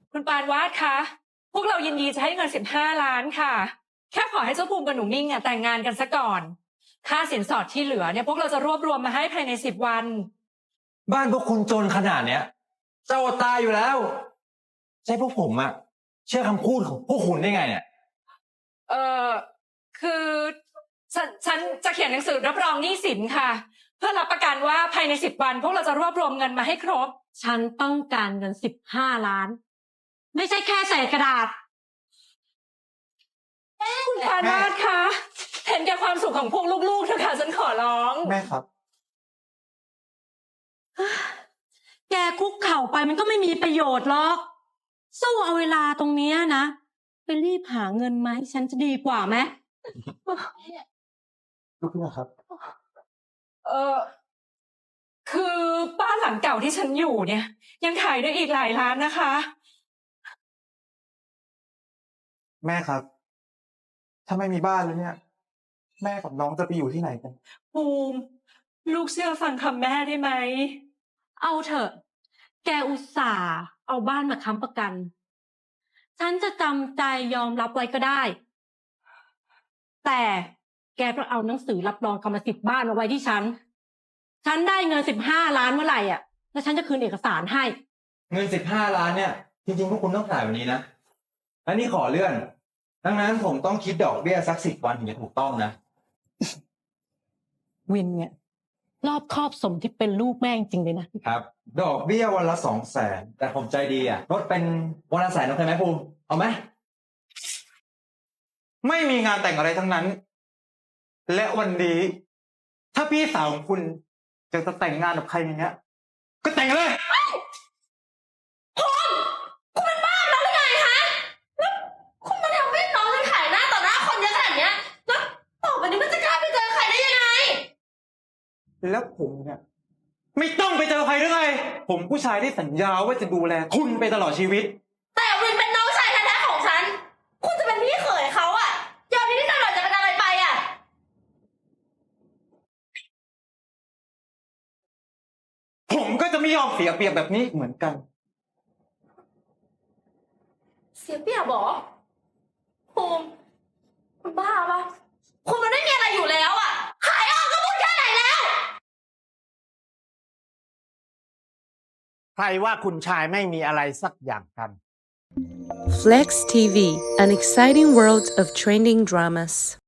คุณปานวาดคะพวกเรายินดีจะให้เงิน15 ล้านค่ะแค่ขอให้เจ้าภูมิกับหนูมิ่งแต่งงานกันซะก่อนค่าสินสอดที่เหลือเนี่ยพวกเราจะรวบรวมมาให้ภายใน10 วันบ้านพวกคุณจนขนาดเนี้ยเจ้าตายอยู่แล้วใช่พวกผมอะเชื่อคำพูดของพวกคุณได้ไงเนี่ยเออคือฉันจะเขียนหนังสือรับรองหนี้สินค่ะเพื่อรับประกันว่าภายใน10 วันพวกเราจะรวบรวมเงินมาให้ครบฉันต้องการเงิน15 ล้านไม่ใช่แค่เศษกระดาษคุณปานวาดคะเห็นแก่ความสุขของพวกลูกๆเถอะค่ะฉันขอร้องแม่ครับแกคุกเข่าไปมันก็ไม่มีประโยชน์หรอกสู้เอาเวลาตรงเนี้ยนะไปรีบหาเงินมาให้ฉันจะดีกว่าไหมลูกนะครับเออคือบ้านหลังเก่าที่ฉันอยู่เนี่ยยังขายได้อีกหลายล้านนะคะแม่ครับ ถ้าไม่มีบ้านแล้วเนี่ย แม่กับน้องจะไปอยู่ที่ไหนกันภูมิลูกเชื่อฟังคำแม่ได้ไหมเอาเถอะแกอุตส่าห์เอาบ้านมาค้ำประกันฉันจะจำใจยอมรับไว้ก็ได้ แต่แกต้องเอาหนังสือรับรองกรรมสิทธิ์บ้านมาไว้ที่ฉันได้เงิน15 ล้านเมื่อไหร่แล้วฉันจะคืนเอกสารให้เงิน15 ล้านเนี่ยจริงๆพวกคุณต้องจ่ายวันนี้นะอันนี้ขอเลื่อนดังนั้นผมต้องคิดดอกเบี้ยสัก10 วันถึงจะถูกต้องนะวินเนี่ยรอบคอบสมที่เป็นลูกแม่จริงเลยนะครับดอกเบี้ยวันละ200,000แต่ผมใจดีลดเป็นวันละ100,000โอเคไหมภูมิเอาไหมไม่มีงานแต่งอะไรทั้งนั้น และวันนี้ ถ้าพี่สาวของคุณจะแต่งงานกับใครอย่างเงี้ย ก็แต่งเลยคุณเป็นบ้าแล้วหรือไงคะแล้วคุณมาทำให้น้องฉันขายหน้าต่อหน้าคนเยอะขนาดเนี้ยแล้วต่อไปนี้มันจะกล้าไปเจอใครได้ยังไงแล้วผมเนี่ยไม่ต้องไปเจอใครหรือไงผมผู้ชายที่สัญญาว่าจะดูแลคุณไปตลอดชีวิตแต่วินเป็นน้องชายแท้ๆของฉันคุณจะเป็นพี่เขยเขายอมนิดๆหน่อยๆจะเป็นอะไรไปผมก็จะไม่ยอมเสียเปรียบแบบนี้เหมือนกันเสียเปรียบเหรอภูมิคุณบ้าปะคุณมันไม่มีอะไรอยู่แล้วขายออกก็พูดแค่ไหนแล้วใครว่าคุณชายไม่มีอะไรสักอย่างกัน Flex TV, an exciting world of trending dramas.